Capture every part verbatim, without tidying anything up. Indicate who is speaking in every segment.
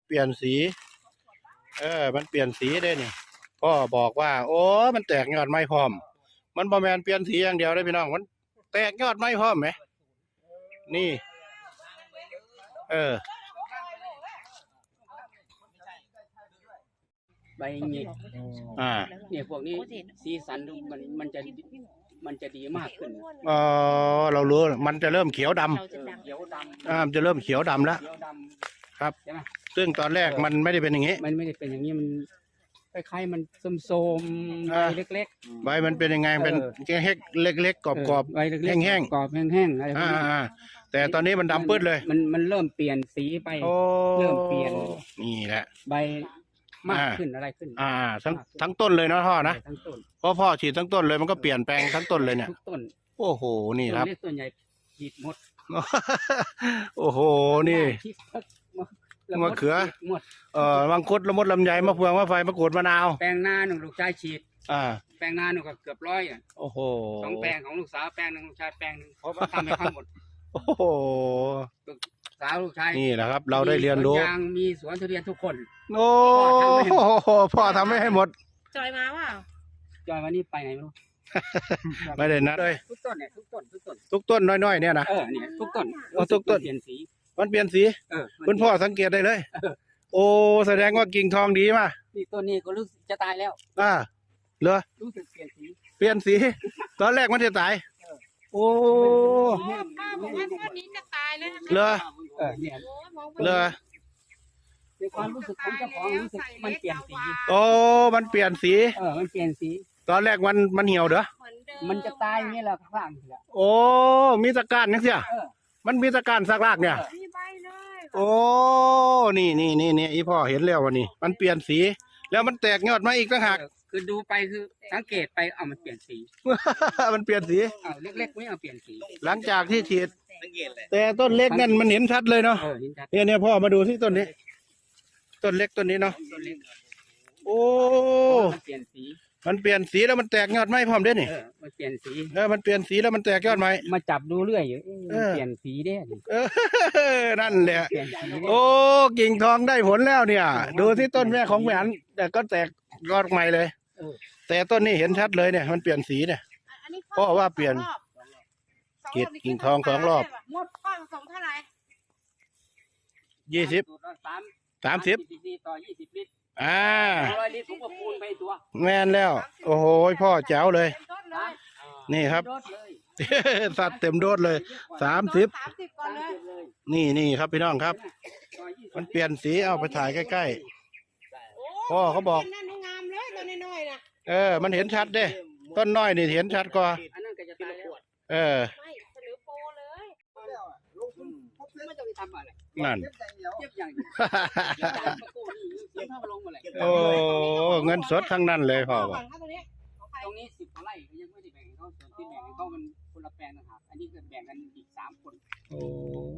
Speaker 1: เปลี่ยนสีเออมันเปลี่ยนสีได้นี่พ่อบอกว่าโอ้มันแตกยอดไม้พร้อมมันบ่แมนเปลี่ยนสีอย่างเดียวได้พี่น้องมันแตกยอดไม้พร้อมไหมนี่เออ
Speaker 2: ใบเงี้ย
Speaker 1: อ่า
Speaker 2: เนี่ยพวกนี้สีสันมันมันจะมันจะดีมากขึ้น
Speaker 1: เออเรารู้มันจะเริ่มเขียวดำ
Speaker 2: เขียวดำ
Speaker 1: อ่าจะเริ่มเขียวดำแล้วครับซึ่งตอนแรกมันไม่ได้เป็นอย่างนี้
Speaker 2: มันไม่ได้เป็นอย่างนี้มันคล้ายๆมันโสมๆใบเล็ก
Speaker 1: ๆใบมันเป็นยังไงเป็นแห้งเล็กๆกรอบๆแห้ง
Speaker 2: ๆกรอบแห้งๆอะไรพวกนี้
Speaker 1: แต่ตอนนี้มันดำปื้ดเลย
Speaker 2: มันมันเริ่มเปลี่ยนสีไปเริ่มเปลี่ยน
Speaker 1: นี่แหละ
Speaker 2: ใบมากขึ้นอะไรขึ้น
Speaker 1: อ่าทั้งทั้งต้นเลยเนาะพ่อนะ
Speaker 2: ทั้งต้น
Speaker 1: เพราะพ่อฉีดทั้งต้นเลยมันก็เปลี่ยนแปลงทั้งต้นเลยเนี่ย
Speaker 2: ทุกต้น
Speaker 1: โอ้โหนี่ครับ
Speaker 2: ต้นใหญ่ฉีดหมด
Speaker 1: โอ้โหนี่มะเขือเอ่อมังคุดละมดลำไยมะเฟืองมะไฟมะกรูดมะนาว
Speaker 2: แปลงนาหนึ่งลูกชายฉีด
Speaker 1: อ่า
Speaker 2: แปลงนาหนึ่งก็เกือบร้อยอ่ะ
Speaker 1: โอ้โห
Speaker 2: สองแปลงของลูกสาวแปลงหนึ่งลูกชายแปลงหนึ่งเพราะว่าทำให้ทั้งหมด
Speaker 1: โอ้โห
Speaker 2: สาวลูกชาย
Speaker 1: นี่แหละครับเราได้เรียนรู้
Speaker 2: ยางมีสวนทุเรียนทุกคน
Speaker 1: โอ้พ่อทำไม่ให้หมด
Speaker 3: จอยมาว่า
Speaker 2: จอยวันนี้ไปไหนไม่รู้
Speaker 1: ไม่ได้นัดเลย
Speaker 2: ทุกต้นเนี่ยทุกต้นทุกต้น
Speaker 1: ทุกต้นน้อยๆเนี่ยนะ
Speaker 2: เออเนี่ยทุกต้น
Speaker 1: ทุกต้น
Speaker 2: เปลี่ยนสี
Speaker 1: มันเปลี่ยนสีคุณพ่อสังเกตได้เลยโอ้แสดงว่ากิ่งทองดีมา
Speaker 2: นี่ต้นนี้ก็รู้สึกจะตายแล้ว
Speaker 1: อ่าเหรอ
Speaker 2: รู้สึกเปลี่ยนสี
Speaker 1: เปลี่ยนสีตอนแรกมันจะตายโอ้
Speaker 3: ป้าบอกว่าต้นนี้จะตายแล้ว
Speaker 1: เหรอ
Speaker 2: เออเนี่ย
Speaker 1: เหรอ
Speaker 2: ในความรู้สึกของเจ้าของรู้สึกมันเปลี่ยนสี
Speaker 1: โอ้มันเปลี่ยนสี
Speaker 2: เออมันเปลี่ยนสี
Speaker 1: ตอนแรกมันมันเหี่ยวเด้อ
Speaker 2: มันจะตายนี่แหละข้างนี่แหละ
Speaker 1: โอ้มีตะการนี่เสียมันมีตะการสักรากเนี่ยโอ้นี่นี่นี่นี่อีพ่อเห็นแล้ววันนี้มันเปลี่ยนสีแล้วมันแตกยอดมาอีกต่างหาก
Speaker 2: คือดูไปคือสังเกตไปเอามันเปลี่ยนสี
Speaker 1: มันเปลี่ยนสี
Speaker 2: เอาเล็กๆไม่เอาเปลี่ยนสี
Speaker 1: หลังจากที่ฉีดแต่ต้นเล็กนั่นมันเห็นชัดเลยเนาะเนี่ยเนี่ยพ่อมาดูที่ต้นนี้ต้นเล็กต้นนี้เนาะโอ้
Speaker 2: มันเปลี่ยนสี
Speaker 1: มันเปลี่ยนสีแล้วมันแตกยอดไม้พร้อมเด้นี่
Speaker 2: มันเปลี่ยนสี
Speaker 1: เออมันเปลี่ยนสีแล้วมันแตกยอดไม้
Speaker 2: มาจับดูเรื่อยอยู่เปลี่ยนสีเด้
Speaker 1: นั่นแหละโอ้กิ่งทองได้ผลแล้วเนี่ยดูที่ต้นแม่ของแหวนแต่ก็แตกยอดใหม่เลยแต่ต้นนี้เห็นชัดเลยเนี่ยมันเปลี่ยนสีเนี่ยเพราะว่าเปลี่ยนกิ่งกิ่งทองสองรอบ
Speaker 3: หมดข้อผสมเท่าไหร่
Speaker 1: ยี่สิบสามสิบ
Speaker 2: ต่อยี่สิบลิตร
Speaker 1: อ่า
Speaker 2: ร้อยลิตรผมก็คูณไปตัว
Speaker 1: แม่นแล้วโอ้โหพ่อแจ๋วเลยนี่ครับสัตว์เต็มโดดเลยสามสิบนี่นี่ครับพี่น้องครับมันเปลี่ยนสีเอาไปถ่ายใกล้ๆพ่อเขาบอกเออมันเห็นชัดเด้ต้นน้อยนี่เห็นชัดกว่าเออนั่นโอ้เงินสดทั้งนั้นเลยพ่อบอก
Speaker 2: ตรงนี้สิบกว่าไร่ยังไม่ได้แบ่งเขาส่วนที่แบ่งเขามันคนละแปลงนะครับอันนี้ก็แบ่งกันอีกสามคน
Speaker 1: โอ้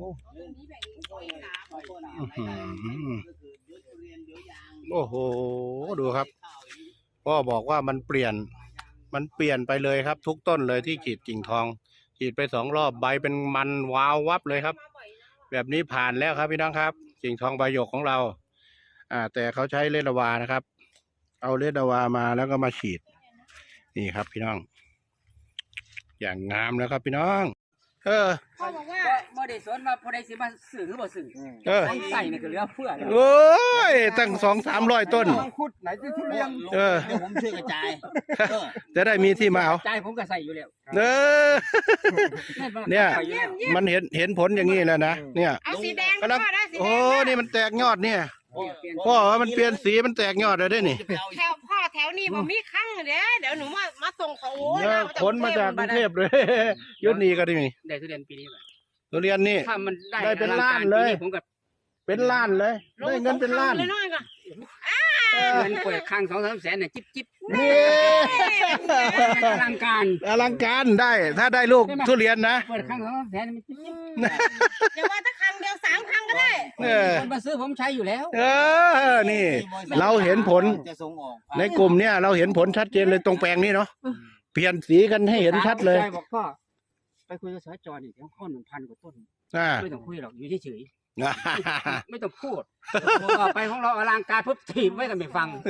Speaker 1: โอ้โหดูครับพ่อบอกว่ามันเปลี่ยนมันเปลี่ยนไปเลยครับทุกต้นเลยที่ฉีดกิ่งทองฉีดไปสองรอบใบเป็นมันวาววับเลยครับแบบนี้ผ่านแล้วครับพี่น้องครับกิ่งทองใบหยกของเราอ่าแต่เขาใช้เลดาวานะครับเอาเลดาวามาแล้วก็มาฉีดนี่ครับพี่น้องอย่างงามแล้วครับพี่น้องเออ
Speaker 2: พ่อบอกว่าบ่ได้สนว่าผู้ใดสิมาซื้อหรือบ่ซื้อเออใส่นี่ก็เหลือเฟือ
Speaker 1: โอ้ยตั้งสองสามร้อยต้น
Speaker 2: คุดไหนที่ทุเรียน
Speaker 1: เออ
Speaker 2: ผมช่วยกระจาย
Speaker 1: จะได้มีที่มาเอา
Speaker 2: ใจผมก็ใส่อยู่แล้ว
Speaker 1: เออเนี่ยมันเห็นเห็นผลอย่างนี้แล้วนะเนี่ยกำลังโอ้นี่มันแตกยอดเนี่ยพ่อว่ามันเปลี่ยนสีมันแตกยอดเลยได้นี่
Speaker 3: แถวพ่อแถวนี้ผมมีครั้งเดี๋ยวเดี๋ยวหนูมามาส่งของโอ้ย
Speaker 1: ขนมาจากกรุงเทพเลยยุดนี้ก็ได้มี
Speaker 2: ได้ทุเรียนปีนี้แบบ
Speaker 1: ทุเรียนนี่ได้เป็นล้านเลยเป็นล้านเลยได้เงินเป็นล้าน
Speaker 3: เลยน้อยก็
Speaker 2: เงินเปิดครั้งสองสามแสนเนี่ยจิ๊บจิ๊บนี่อลังการ
Speaker 1: อลังการได้ถ้าได้ลูกทุเรียนนะ
Speaker 2: เปิดครั้งสองสามแสนมันจิ๊บจิ๊บ
Speaker 3: เดี๋ยวว่าถ้าครั้งเดียวสามครั้งก็ได้
Speaker 2: คนมาซื้อผมใช้อยู่แล้ว
Speaker 1: เออนี่เราเห็นผลในกลุ่มเนี้ยเราเห็นผลชัดเจนเลยตรงแปลงนี้เนาะเปลี่ยนสีกันให้เห็นชัดเลย
Speaker 2: บอกพ่อไปคุยกับสจนี่เดี๋ยวข้อหนึ่งพันกว่าต้นไม่ต้องคุยหรอกอยู่เฉยไม่ต้องพูดพอไปของเราอลังการปุ๊บถีบไว้ก็ไม่ฟัง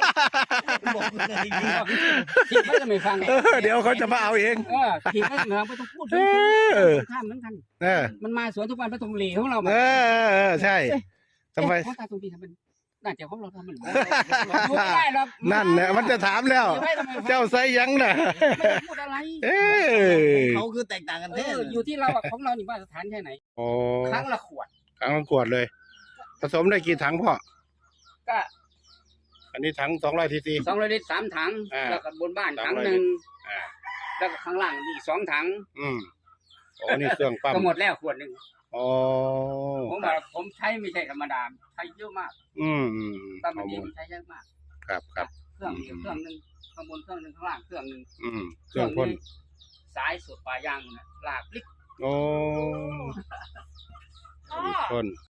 Speaker 2: ถีบไว้ก็ไม่ฟัง
Speaker 1: เออเดี๋ยวเขาจะมาเอาเอง
Speaker 2: เออถีบไว้ก็ไม่ฟังไม่ต้องพูด
Speaker 1: เออ
Speaker 2: ข้ามเหมือนกัน
Speaker 1: เออ
Speaker 2: มันมาสวนทุกวันพระทงหลีของเรา
Speaker 1: เออเออใช่ทำไม
Speaker 2: เพราะตาตรงนี้ทำมันน่าจะของเราทำมันดูไม่ได้หรอก
Speaker 1: นั่นเนี่ยมันจะถามแล้ว เจ้าไซยังน่ะ
Speaker 2: ไม่ได้พูดอะไร
Speaker 1: เออ
Speaker 4: เขาคือแตกต่างกัน
Speaker 2: เอ
Speaker 4: แท้
Speaker 2: ออยู่ที่เราอะของเรานี่มาตรฐานแค่ไหน
Speaker 1: โอ้
Speaker 2: ครั้งละขวด
Speaker 1: ครั้งละขวดเลย ผสมได้กี่ถังพ่อ
Speaker 2: ก็
Speaker 1: อันนี้ถังสองร้อยทีซี
Speaker 2: สองร้อยลิตรสามถัง
Speaker 1: อ่า
Speaker 2: แล้วก็บนบ้าน
Speaker 1: สอง
Speaker 2: ถัง
Speaker 1: ร้อย
Speaker 2: หนึ่ง
Speaker 1: อ่า
Speaker 2: แล้วก็ข้างล่างอีกสองถัง
Speaker 1: อืมโอ้นี่เครื่องปั๊ม
Speaker 2: ก็หมดแล้วขวดหนึ่ง
Speaker 1: อ๋อ
Speaker 2: ผมว่าผมใช้ไม่ใช่ธรรมดาใช้เยอะมาก
Speaker 1: อืมอืม
Speaker 2: ตอน
Speaker 1: ข้อ
Speaker 2: นี้
Speaker 1: มูล
Speaker 2: ใช้เยอะมาก
Speaker 1: ครับครับ
Speaker 2: เครื่องเดียวเครื่องหนึ่งข้างบนเครื่องหนึ่งข้างล่างเครื่องหนึ่ง
Speaker 1: อืมเครื่องพ่น
Speaker 2: สายสุดปลายยางนะลากลิก
Speaker 1: โอ้
Speaker 3: พ่อ
Speaker 1: พ่น